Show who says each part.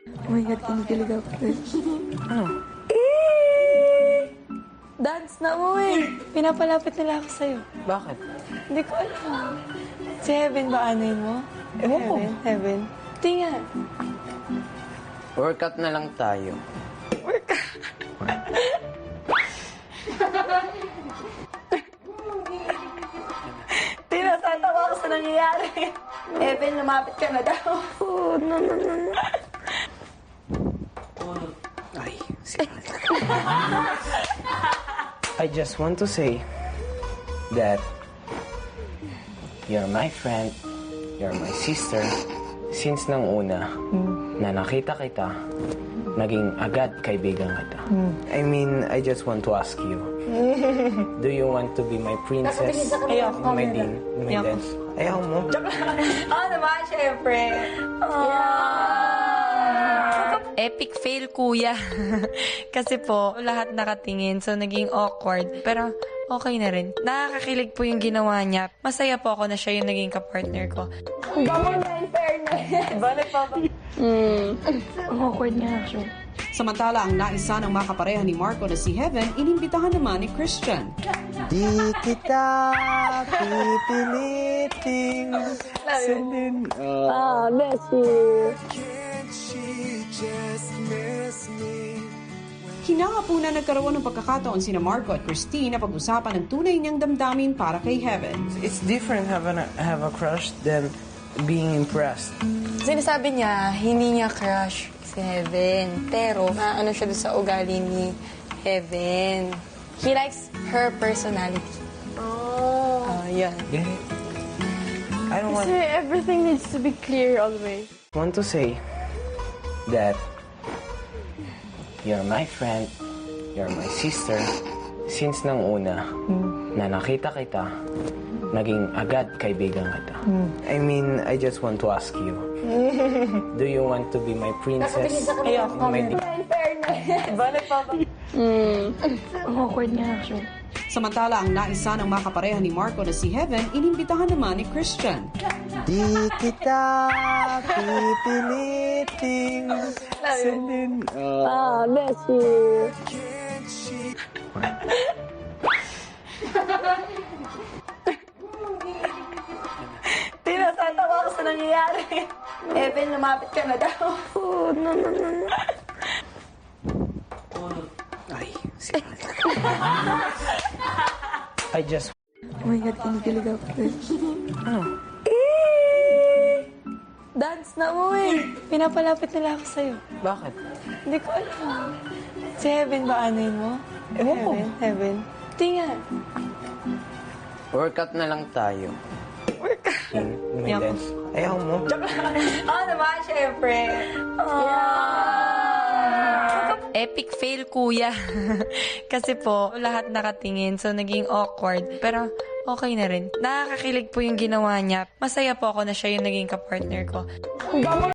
Speaker 1: Oh my God, kinikilig ako.
Speaker 2: Ano?
Speaker 1: Dance na mo eh. Pinapalapit nila ako sa'yo.
Speaker 2: Bakit?
Speaker 1: Hindi ko alam. Si Heaven ba anayin mo?
Speaker 2: Ewan ko.
Speaker 1: Heaven. Tingnan.
Speaker 2: Workout na lang tayo.
Speaker 1: Tinatatawa ako sa nangyayari. Heaven, lumapit ka na daw. Oh, no.
Speaker 2: Ay, I just want to say that you're my friend, you're my sister. Since nang una na nakita kita, naging agad kaibigan kita. I mean, I just want to ask you, do you want to be my princess?
Speaker 1: Ayoko.
Speaker 2: My dance? Ayaw mo?
Speaker 1: Oo naman, syempre. Epic fail, kuya. Kasi po, lahat nakatingin, so naging awkward. Pero okay na rin. Nakakakilig po yung ginawa niya. Masaya po ako na siya yung naging kapartner ko. Ang bango na, in fairness. Balik pa ba? Ang awkward niya, actually.
Speaker 3: Samantala, ang naisa ng makapareha ni Marco na si Heaven, inimbitahan naman ni Christian.
Speaker 2: Di kita pipiliting sundin.
Speaker 1: Bless you.
Speaker 3: Hinahapuna nagkaroon ng pagkakataon sina Marco at Christine na pag-usapan ng tunay niyang damdamin para kay Heaven.
Speaker 2: It's different have a crush than being impressed.
Speaker 1: Sinasabi niya, hindi niya crush si Heaven. Pero, ano siya doon sa ugali ni Heaven. He likes her personality. Yan.
Speaker 2: Get it? I don't want
Speaker 1: Everything needs to be clear always.
Speaker 2: to say that you're my friend, you're my sister. Since nang una na nakita kita, naging agad kaibigan kita. I mean, I just want to ask you, do you want to be my princess?
Speaker 1: Ayoko.
Speaker 2: My
Speaker 1: In fairness. Balik pa ba? Ang awkward niya, actually.
Speaker 3: Samantala, ang naisa ng makapareha ni Marco na si Heaven, inimbitahan naman ni Christian.
Speaker 2: Di kita pipiliting sundin.
Speaker 1: Bless you. Tinatatawa ako sa nangyayari. Heaven, lumapit ka na daw. Oh, no.
Speaker 2: Ay, I just...
Speaker 1: Oh my God, kinikilig ako.
Speaker 2: Ano?
Speaker 1: Dance na mo eh. Pinapalapit nila ako sa'yo.
Speaker 2: Bakit?
Speaker 1: Hindi ko alam. Si Heaven ba anayin mo?
Speaker 2: Ewan ko.
Speaker 1: Heaven. Tingnan.
Speaker 2: Workout na lang tayo. My dance? Ayaw mo?
Speaker 1: Oo naman, syempre. Epic fail, kuya. Kasi po, lahat nakatingin, so naging awkward. Pero okay na rin. Nakakakilig po yung ginawa niya. Masaya po ako na siya yung naging kapartner ko.